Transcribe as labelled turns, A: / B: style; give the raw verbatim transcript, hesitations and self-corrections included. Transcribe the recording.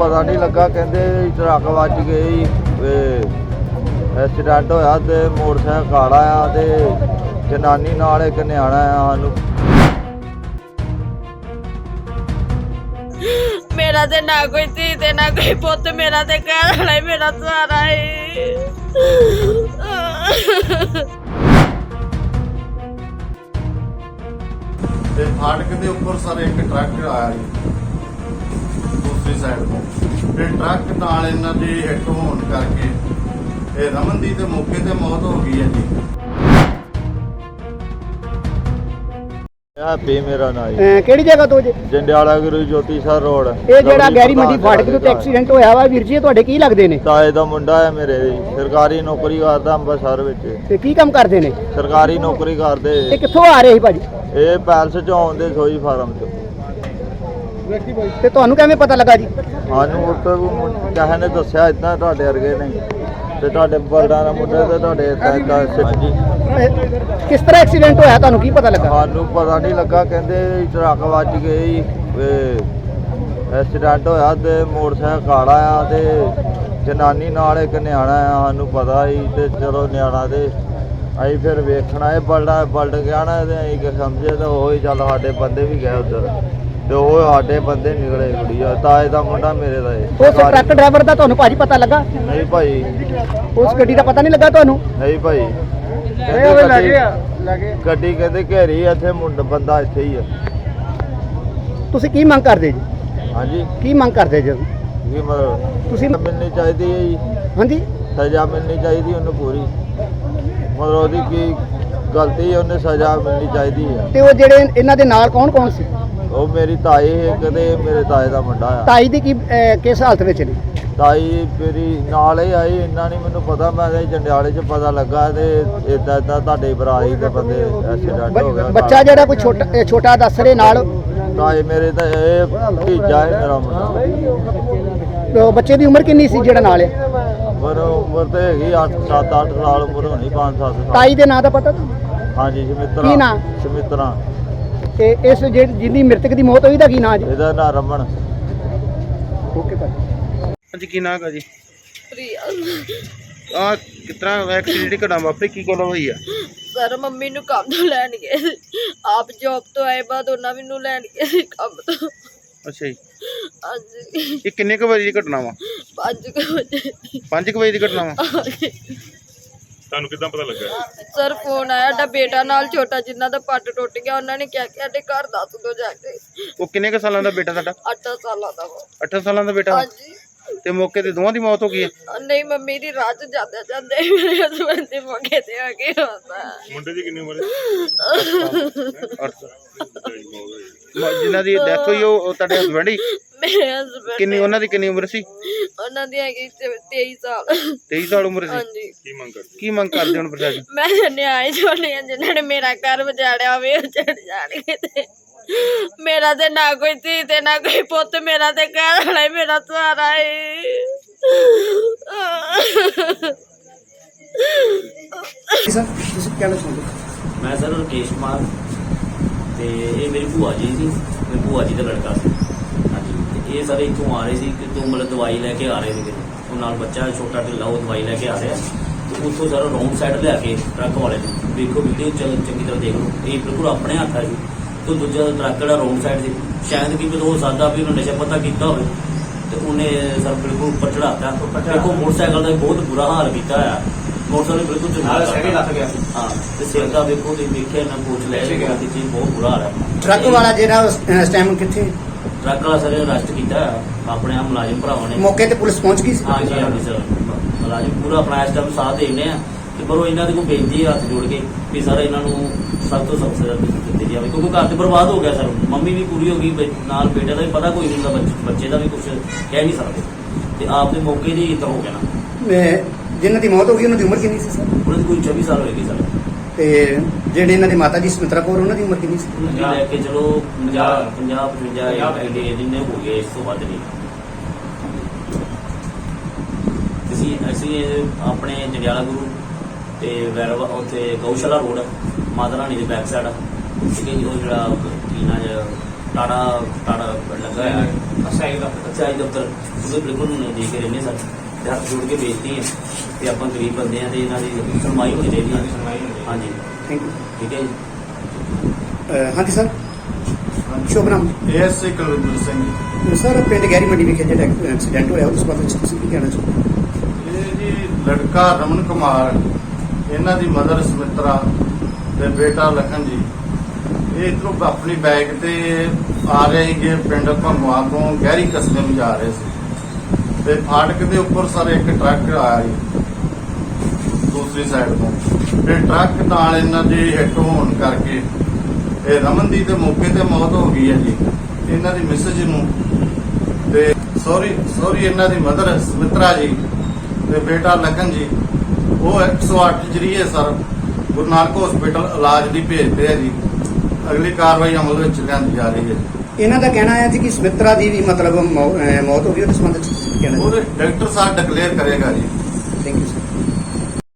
A: ਪਤਾ ਨਹੀਂ ਲੱਗਾ, ਕਹਿੰਦੇ ਟਰੱਕ ਵੱਜ ਗਈ, ਐਕਸੀਡੈਂਟ ਹੋਇਆ ਤੇ ਮੋਟਰਸਾਈਕਲ ਕਾਲਾ ਆ ਤੇ ਜਨਾਨੀ ਨਾਲ ਇੱਕ ਨਿਆਣਾ ਆ। ਸਾਨੂੰ
B: ਮੇਰਾ ਤੇ ਨਾ ਕੋਈ ਧੀ ਤੇ ਨਾ ਕੋਈ ਪੁੱਤ, ਮੇਰਾ ਤੇ ਘਰ ਵਾਲਾ ਹੀ ਮੇਰਾ ਸਹਾਰਾ ਹੈ।
C: ਤੇ ਫਾਟਕ ਦੇ ਉੱਪਰ ਸਰ ਇੱਕ ਟਰੱਕ ਆਇਆ ਜੀ ਦੂਸਰੀ ਸਾਈਡ ਤੋਂ, ਤੇ ਟਰੱਕ ਨਾਲ ਇਹਨਾਂ ਦੀ ਹਿੱਟ ਹੋਣ ਕਰਕੇ ਇਹ ਰਮਨ ਦੀ ਤੇ ਮੌਕੇ ਤੇ ਮੌਤ ਹੋ ਗਈ ਹੈ ਜੀ।
A: ਹੈਪੀ ਮੇਰਾ ਨਾਂ ਜੀ।
D: ਅਹ ਕਿਹੜੀ ਜਗ੍ਹਾ ਤੋਂ ਜੇ?
A: ਜੰਡਿਆਲਾ ਗੁਰੂ ਜੋਤੀ ਸਰ ਰੋਡ।
D: ਇਹ ਜਿਹੜਾ ਗੈਰੀ ਮੰਡੀ ਫਾਟਕ ਦੇ ਉੱਤੇ ਐਕਸੀਡੈਂਟ ਹੋਇਆ ਵਾ ਵੀਰ ਜੀ, ਇਹ ਤੁਹਾਡੇ ਕੀ ਲੱਗਦੇ ਨੇ?
A: ਤਾਏ ਦਾ ਮੁੰਡਾ ਹੈ ਮੇਰੇ ਜੀ, ਸਰਕਾਰੀ ਨੌਕਰੀ ਕਰਦਾ ਅੰਮ੍ਰਿਤਸਰ ਵਿੱਚ।
D: ਤੇ ਕੀ ਕੰਮ ਕਰਦੇ ਨੇ?
A: ਸਰਕਾਰੀ ਨੌਕਰੀ ਕਰਦੇ।
D: ਇਹ ਕਿੱਥੋਂ ਆ ਰਹੇ ਸੀ ਭਾਜੀ?
A: ਇਹ ਪੈਲਸ ਚੋਂ ਆਉਂਦੇ ਸੋਈ ਫਾਰਮ ਚ।
D: ਤੇ ਤੁਹਾਨੂੰ ਕਿਵੇਂ ਪਤਾ ਲੱਗਾ ਜੀ?
A: ਸਾਨੂੰ ਉੱਥੇ ਕਿਸੇ ਨੇ ਦੱਸਿਆ ਇਦਾਂ ਤੁਹਾਡੇ ਵਰਗੇ ਨਹੀਂ ਤੇ ਤੁਹਾਡੇ ਬਲਦਾਂ ਦਾ ਮੁੰਡੇ ਤੇ ਤੁਹਾਡੇ ਏਦਾਂ ਏਦਾਂ। ਹਾਂਜੀ,
D: ਇਹ ਕਿਸ ਤਰ੍ਹਾਂ ਐਕਸੀਡੈਂਟ ਹੋਇਆ, ਤੁਹਾਨੂੰ ਕੀ ਪਤਾ ਲੱਗਾ?
A: ਸਾਨੂੰ ਪਤਾ ਨਹੀਂ ਲੱਗਾ, ਕਹਿੰਦੇ ਟਰੱਕ ਵੱਜ ਗਈ, ਐਕਸੀਡੈਂਟ ਹੋਇਆ ਤੇ ਮੋਟਰਸਾਈਕਲ ਕਾਲਾ ਆ ਤੇ ਜਨਾਨੀ ਨਾਲ ਇੱਕ ਨਿਆਣਾ ਆ। ਸਾਨੂੰ ਪਤਾ ਹੀ ਤੇ ਚਲੋ ਨਿਆਣਾ ਤੇ ਅਸੀਂ ਫਿਰ ਵੇਖਣਾ ਇਹ ਬਲਡਾ ਬਲਡ ਗਿਆ ਨਾ ਤੇ ਅਸੀਂ ਕਿ ਸਮਝੇ ਤਾਂ ਉਹ ਹੀ ਚੱਲ ਸਾਡੇ ਬੰਦੇ ਵੀ ਗਏ ਉੱਧਰ ਤੇ ਉਹ ਸਾਡੇ ਬੰਦੇ ਨਿਕਲੇ ਕੁੜੀਆ। ਤਾਏ ਦਾ ਮੁੰਡਾ ਮੇਰੇ ਦਾ ਇਹ।
D: ਉਸ ਟਰੱਕ ਡਰਾਈਵਰ ਦਾ ਤੁਹਾਨੂੰ ਭਾਜੀ ਪਤਾ ਲੱਗਾ?
A: ਨਹੀਂ ਭਾਈ,
D: ਉਸ ਗੱਡੀ ਦਾ ਪਤਾ ਨਹੀਂ ਲੱਗਾ ਤੁਹਾਨੂੰ?
A: ਨਹੀਂ ਭਾਈ, ਕਹਿੰਦੇ ਗੱਡੀ- ਗੱਡੀ ਕਹਿੰਦੇ ਘੇਰੀ ਇੱਥੇ ਮੁੰਡਾ ਬੰਦਾ ਇੱਥੇ ਹੀ ਆ।
D: ਤੁਸੀਂ ਕੀ ਮੰਗ ਕਰਦੇ ਜੀ?
A: ਹਾਂਜੀ,
D: ਕੀ ਮੰਗ ਕਰਦੇ ਜੀ
A: ਕੀ ਮਤਲਬ
D: ਤੁਸੀਂ?
A: ਮਿਲਣੀ ਚਾਹੀਦੀ ਹੈ ਜੀ,
D: ਹਾਂਜੀ,
A: ਸਜ਼ਾ ਮਿਲਣੀ ਚਾਹੀਦੀ ਉਹਨੂੰ ਪੂਰੀ। ਮਤਲਬ ਉਹਦੀ ਕੀ ਗਲਤੀ ਹੈ, ਉਹਨੇ ਸਜ਼ਾ ਮਿਲਣੀ ਚਾਹੀਦੀ ਹੈ।
D: ਤੇ ਉਹ ਜਿਹੜੇ ਇਹਨਾਂ ਦੇ ਨਾਲ ਕੌਣ ਕੌਣ ਸੀ?
A: ਉਹ ਮੇਰੀ ਤਾਈ ਹੈ, ਕਦੇ ਮੇਰੇ ਤਾਏ ਦਾ ਮੁੰਡਾ ਆ।
D: ਤਾਈ ਦੀ ਕੀ ਅਹ, ਕਿਸ ਹਾਲਤ ਵਿੱਚ ਨੇ?
A: ਤਾਈ ਮੇਰੀ ਨਾਲ ਹੀ ਆਈ, ਇੰਨਾ ਨਹੀਂ ਮੈਨੂੰ ਪਤਾ। ਮੈਂ ਤਾਂ ਜੰਡਿਆਲੇ 'ਚ ਪਤਾ ਲੱਗਾ ਤੇ ਇਦਾਂ ਇਦਾਂ ਤੁਹਾਡੇ ਭਰਾਈ ਦੇ ਬੰਦੇ ਐਕਸੀਡੈਂਟ ਹੋ ਗਿਆ।
D: ਬੱਚਾ ਜਿਹੜਾ ਕੋਈ ਛੋਟਾ ਇਹ ਛੋਟਾ ਦੱਸ ਰਹੇ ਨਾਲ,
A: ਤਾਏ ਮੇਰੇ ਤਾਂ ਇਹ ਭਤੀਜਾ ਹੈ ਮੇਰਾ ਮੁੰਡਾ।
D: ਉਹ ਬੱਚੇ ਦੀ ਉਮਰ ਕਿੰਨੀ ਸੀ ਜਿਹੜਾ ਨਾਲ ਹੈ?
A: ਪਰ ਉਮਰ ਤਾਂ ਹੈਗੀ ਅੱਠ ਸੱਤ ਅੱਠ ਸਾਲ ਉਮਰ ਹੋਣੀ, ਪੰਜ ਸੱਤ ਸਾਲ।
D: ਤਾਈ ਦੇ ਨਾਂ ਦਾ ਪਤਾ ਤੁਹਾਨੂੰ?
A: ਹਾਂਜੀ, ਸਮਿਤਰਾ।
D: ਕੀ ਨਾਂ?
A: ਸਮਿਤਰਾ।
D: ਤੇ ਇਸ ਜਿਹੜੀ ਜਿਹਦੀ ਮ੍ਰਿਤਕ ਦੀ ਮੌਤ ਹੋਈ ਦਾ ਕੀ ਨਾਂ ਜੀ?
A: ਇਹਦਾ ਨਾਂ ਰਮਨ।
D: ਓਕੇ ਭਾਜੀ।
E: ਹਾਂਜੀ, ਕੀ ਨਾਂ ਹੈ ਜੀ?
B: ਪ੍ਰਿਆ
E: ਆ ਕਿਸ ਤਰ੍ਹਾਂ ਐਕਸੀਡੈਂਟ ਘਟਨਾ ਵਾਪਰੀ, ਕੀ ਗੱਲ ਹੋਈ ਆ?
B: ਸਰ ਮੰਮੀ ਨੂੰ ਕੰਮ ਤੋਂ ਲੈਣ ਗਏ ਸੀ। ਆਪ ਜੌਬ ਤੋਂ ਆਏ ਬਾਅਦ ਉਹਨਾਂ ਮੈਨੂੰ ਲੈਣ ਗਏ ਸੀ ਕੰਮ ਤੋਂ।
E: ਅੱਛਾ ਜੀ,
B: ਹਾਂਜੀ,
E: ਇਹ ਕਿੰਨੇ ਕੁ ਵਜੇ ਦੀ ਘਟਨਾ ਵਾ?
B: ਪੰਜ ਕੁ ਵਜੇ।
E: ਪੰਜ ਕੁ ਵਜੇ ਦੀ ਘਟਨਾ ਵਾ?
F: ਤੁਹਾਨੂੰ ਕਿੱਦਾਂ ਪਤਾ ਲੱਗਾ?
B: ਸਰ ਫੋਨ ਆਇਆ, ਸਾਡਾ ਬੇਟਾ ਨਾਲ ਛੋਟਾ ਜਿੰਨਾ ਦਾ ਪੱਟ ਟੁੱਟ ਗਿਆ, ਉਹਨਾਂ ਨੇ ਕਿਹਾ ਕਿ ਸਾਡੇ ਘਰ ਦੱਸ ਦੋ ਜਾ ਕੇ।
E: ਉਹ ਕਿੰਨੇ ਕੁ ਸਾਲਾਂ ਦਾ ਬੇਟਾ ਤੁਹਾਡਾ?
B: ਅੱਠ ਸਾਲਾਂ ਦਾ ਵਾ।
E: ਅੱਠ ਸਾਲਾਂ ਦਾ ਬੇਟਾ?
B: ਹਾਂਜੀ,
E: ਤੇ ਮੌਕੇ ਤੇ ਦੋਵਾਂ ਦੀ ਮੌਤ ਹੋ ਗਈ ਹੈ?
B: ਨਹੀਂ ਮੰਮੀ ਦੀ ਰਾਹ ਚ ਜਾਂਦੇ ਜਾਂਦੇ ਮੇਰੇ ਹਸਬੰਦ ਦੇ ਮੌਕੇ ਤੇ ਆ ਕੇ ਹੁੰਦਾ।
F: ਮੁੰਡੇ ਦੀ ਕਿੰਨੀ ਉਮਰ ਹੈ?
E: ਅੱਠ। ਜਿਨ੍ਹਾਂ ਦੀ ਡੈਥ ਹੋਈ ਉਹ ਉਹ ਤੁਹਾਡੇ ਹਸਬੈਂਡ ਹੀ?
B: ਮੇਰੇ ਹਸਬੰਦ
E: ਕਿੰਨੀ ਉਹਨਾਂ ਦੀ ਕਿੰਨੀ ਉਮਰ ਸੀ?
B: ਉਹਨਾਂ ਦੀ ਹੈਗੀ ਤੇਈ ਸਾਲ।
E: ਤੇਈ ਸਾਲ ਉਮਰ ਸੀ?
B: ਹਾਂਜੀ,
F: ਕੀ ਮੰਗ ਕਰਦੇ?
E: ਕੀ ਮੰਗ ਕਰਦੇ ਹੁਣ ਪ੍ਰਸ਼ਾਸਨ?
B: ਮੈਂ ਨਿਆਏ ਛੋੜੇ ਜਿਨ੍ਹਾਂ ਨੇ ਮੇਰਾ ਘਰ ਵਜਾੜਿਆ ਹੋਵੇ ਉਹ ਚੜ ਜਾਣਗੇ। ਤੇ ਮੇਰਾ ਤੇ ਨਾ ਕੋਈ ਧੀ ਤੇ ਨਾ ਕੋਈ ਪੁੱਤ, ਮੇਰਾ ਤੇ ਘਰ ਵਾਲਾ ਹੀ ਮੇਰਾ ਸਹਾਰਾ ਹੈ।
D: ਸਰ ਤੁਸੀਂ ਕੀ ਕਹਿਣਾ ਚਾਹੁੰਦੇ?
G: ਮੈਂ ਸਰ ਰਕੇਸ਼ ਕੁਮਾਰ ਤੇ ਇਹ ਮੇਰੀ ਭੂਆ ਜੀ ਸੀ, ਮੇਰੀ ਭੂਆ ਜੀ ਦਾ ਲੜਕਾ ਸੀ। ਹਾਂਜੀ, ਤੇ ਇਹ ਸਾਰੇ ਇੱਥੋਂ ਆ ਰਹੇ ਸੀ ਕਿ ਤੋਂ ਮਤਲਬ ਦਵਾਈ ਲੈ ਕੇ ਆ ਰਹੇ ਸੀਗੇ। ਉਹ ਨਾਲ ਬੱਚਾ ਛੋਟਾ ਢਿੱਲਾ, ਉਹ ਦਵਾਈ ਲੈ ਕੇ ਆ ਰਿਹਾ ਤੇ ਉੱਥੋਂ ਸਾਰਾ ਰੌਂਗ ਸਾਈਡ ਲਿਆ ਕੇ ਟਰੱਕ ਵਾਲੇ ਨੇ, ਦੇਖੋ ਵੀਡੀਓ ਚੱਲ ਚੰਗੀ ਤਰ੍ਹਾਂ ਦੇਖ ਲਓ, ਇਹ ਬਿਲਕੁਲ ਆਪਣੇ ਹੱਥ ਆ ਜੀ। ਤੇ ਦੂਜਾ ਟਰੱਕ ਜਿਹੜਾ ਰੌਂਗ ਸਾਈਡ ਸੀ, ਸ਼ਾਇਦ ਕਿ ਹੋ ਸਕਦਾ ਵੀ ਉਹਨੇ ਨਸ਼ਾ ਪਤਾ ਕੀਤਾ ਹੋਵੇ ਤੇ ਉਹਨੇ ਸਰ ਬਿਲਕੁਲ ਉੱਪਰ ਚੜਾਤਾ। ਦੇਖੋ ਮੋਟਰਸਾਈਕਲ ਦਾ ਬਹੁਤ ਬੁਰਾ ਹਾਲ ਕੀਤਾ ਹੋਇਆ, ਮੋਟਰਸਾਈਕਲ ਬਿਲਕੁਲ ਚੰਗਾ ਲੱਗ ਗਿਆ। ਹਾਂ, ਤੇ ਸਿਰ ਦਾ ਵੇਖੋ ਤੁਸੀਂ ਵੇਖਿਆ ਨਾ ਕੋਚ ਲੈ ਗਿਆ ਤੇ ਚੀਜ਼ ਬਹੁਤ ਬੁਰਾ ਹਾਲ ਹੈ।
D: ਟਰੱਕ ਵਾਲਾ ਜਿਹੜਾ ਉਸ ਟਾਈਮ ਕਿੱਥੇ?
G: ਟਰੱਕ ਵਾਲਾ ਸਰ ਅਰੈਸਟ ਕੀਤਾ ਆਪਣੇ ਆ ਮੁਲਾਜ਼ਮ ਭਰਾਵਾਂ ਨੇ।
D: ਮੌਕੇ ਤੇ ਪੁਲਿਸ ਪਹੁੰਚ ਗਈ ਸੀ?
G: ਹਾਂਜੀ ਹਾਂਜੀ ਸਰ, ਮੁਲਾਜ਼ਮ ਪੂਰਾ ਆਪਣਾ ਇਸ ਟਾਈਮ ਸਾਥ ਦੇਣੇ ਆ ਤੇ ਪਰ ਉਹ ਇਹਨਾਂ ਦੇ ਕੋਲ ਬੇਨਤੀ ਹੱਥ ਜੋੜ ਕੇ ਵੀ ਸਰ ਇਹਨਾਂ ਨੂੰ ਸਭ ਤੋਂ ਸਖਤ ਸਜ਼ਾ ਦਿੱਤੀ ਜਾਵੇ, ਕਿਉਂਕਿ ਘਰ ਤੇ ਬਰਬਾਦ ਹੋ ਗਿਆ ਸਰ। ਮੰਮੀ ਵੀ ਪੂਰੀ ਹੋ ਗਈ, ਨਾਲ ਬੇਟੇ ਦਾ ਵੀ ਪਤਾ ਕੋਈ ਨਹੀਂ ਹੁੰਦਾ, ਬੱਚੇ ਦਾ ਵੀ ਕੁਝ ਕਹਿ ਨਹੀਂ ਸਕਦੇ ਤੇ ਆਪ ਦੇ ਮੌਕੇ ਦੀ ਇੱਦਾਂ ਹੋ ਗਿਆ ਨਾ।
D: ਜਿਨ੍ਹਾਂ ਦੀ ਮੌਤ ਹੋ ਗਈ ਉਹਨਾਂ ਦੀ ਉਮਰ ਕਿੰਨੀ ਸੀ ਸਰ?
G: ਉਹਨਾਂ ਦੀ ਕੋਈ ਚੌਵੀ ਸਾਲ ਹੋਏਗੀ ਸਰ।
D: ਤੇ ਜਿਹੜੇ ਇਹਨਾਂ ਦੇ ਮਾਤਾ ਜੀ ਸਮਿਤਰਾ ਕੌਰ, ਉਹਨਾਂ ਦੀ ਉਮਰ ਕਿੰਨੀ ਸੀ?
G: ਲੈ ਕੇ ਚਲੋ ਪੰਜਾਹ ਪੰਜਾਹ ਪਚਵੰਜਾ ਜਿੰਨੇ ਹੋ ਗਏ, ਇਸ ਤੋਂ ਵੱਧ ਨਹੀਂ। ਅਸੀਂ ਅਸੀਂ ਆਪਣੇ ਜੰਡਿਆਲਾ ਗੁਰੂ ਤੇ ਵੈਰਵਾ ਉੱਥੇ ਗਊਸ਼ਾਲਾ ਰੋਡ ਮਾਤਾ ਰਾਣੀ ਦੇ ਬੈਕ ਸਾਈਡ ਠੀਕ ਹੈ ਜੀ। ਉਹ ਜਿਹੜਾ ਕੀ ਨਾਂ ਟਾੜਾ ਟਾੜਾ ਲੱਗਾ ਹੈ ਅਸਾਈ ਦਾ ਅਸਾਈ ਦਫ਼ਤਰ ਉਹਦੇ ਬਿਲਕੁਲ ਨਹੀਂ ਦੇ ਕੇ ਰਹਿੰਦੇ ਸਰ ਤੇ ਹੱਥ ਜੋੜ ਕੇ ਬੇਨਤੀ ਹੈ ਤੇ ਆਪਾਂ ਗਰੀਬ ਬੰਦੇ ਆ ਤੇ ਇਹਨਾਂ ਦੀ ਸੁਣਵਾਈ ਹੋਣੀ ਚਾਹੀਦੀ ਹੈ। ਹਾਂਜੀ
D: ਥੈਂਕ ਯੂ।
G: ਠੀਕ ਹੈ ਜੀ।
D: ਅਹ ਹਾਂਜੀ ਸਰ, ਸ਼ੁਭ ਨਾਮ
C: ਏਐਸਏ ਕੁਲਵਿੰਦਰ ਸਿੰਘ ਜੀ।
D: ਸਰ, ਪਿੰਡ ਗਹਿਰੀ ਮੰਡੀ ਵਿਖੇ ਜਿਹੜਾ ਐਕਸੀਡੈਂਟ ਹੋਇਆ ਉਸ ਬਾਰੇ ਵਿੱਚ ਤੁਸੀਂ ਕੀ ਕਹਿਣਾ ਚਾਹੋਗੇ?
C: ਇਹ ਜੀ ਲੜਕਾ ਰਮਨ ਕੁਮਾਰ, ਇਹਨਾਂ ਦੀ ਮਦਰ ਸਮਿਤਰਾ ਤੇ ਬੇਟਾ ਲਖਨ ਜੀ, ਇਹ ਇੱਧਰੋਂ ਆਪਣੀ ਬਾਈਕ ਤੇ ਆ ਰਹੇ ਸੀਗੇ ਪਿੰਡ ਭੰਗਵਾ ਤੋਂ ਗਹਿਰੀ ਕਸਬੇ ਨੂੰ ਜਾ ਰਹੇ ਸੀ ਤੇ ਫਾਟਕ ਦੇ ਉੱਪਰ ਸਰ ਇੱਕ ਟਰੱਕ ਆਇਆ ਜੀ ਦੂਸਰੀ ਸਾਈਡ ਤੋਂ। ਤੇ ਟਰੱਕ ਨਾਲ ਇਹਨਾਂ ਦੀ ਹਿੱਟ ਹੋਣ ਕਰਕੇ ਇਹ ਰਮਨ ਦੀ ਤੇ ਮੌਕੇ ਤੇ ਮੌਤ ਹੋ ਗਈ ਹੈ ਜੀ। ਇਹਨਾਂ ਦੀ ਮਿਸਜ ਨੂੰ ਤੇ ਸੌਰੀ ਸੌਰੀ ਇਹਨਾਂ ਦੀ ਮਦਰ ਸਮਿਤਰਾ ਜੀ ਤੇ ਬੇਟਾ ਲਖਨ ਜੀ, ਉਹ ਇੱਕ ਸੌ ਅੱਠ ਜਰੀਏ ਸਰ ਗੁਰੂ ਨਾਨਕ ਹਸਪੀਟਲ ਇਲਾਜ ਲਈ ਭੇਜਦੇ ਆ ਜੀ। ਅਗਲੀ ਕਾਰਵਾਈ ਅਮਲ ਵਿੱਚ ਲਿਆਂਦੀ ਜਾ ਰਹੀ ਹੈ।
D: ਇਹਨਾਂ ਦਾ ਕਹਿਣਾ ਹੈ ਜੀ ਕਿ ਸਮਿਤਰਾ ਦੀ ਵੀ ਮਤਲਬ ਮੌ- ਅਹ ਮੌਤ ਹੋ ਗਈ, ਉਹਦੇ ਸੰਬੰਧ ਵਿੱਚ ਤੁਸੀਂ ਕੀ ਕਹਿਣਾ
C: ਉਹਦੇ ਡਾਕਟਰ ਸਾਹਿਬ ਡਿਕਲੇਅਰ ਕਰੇਗਾ ਜੀ।
D: Thank you sir.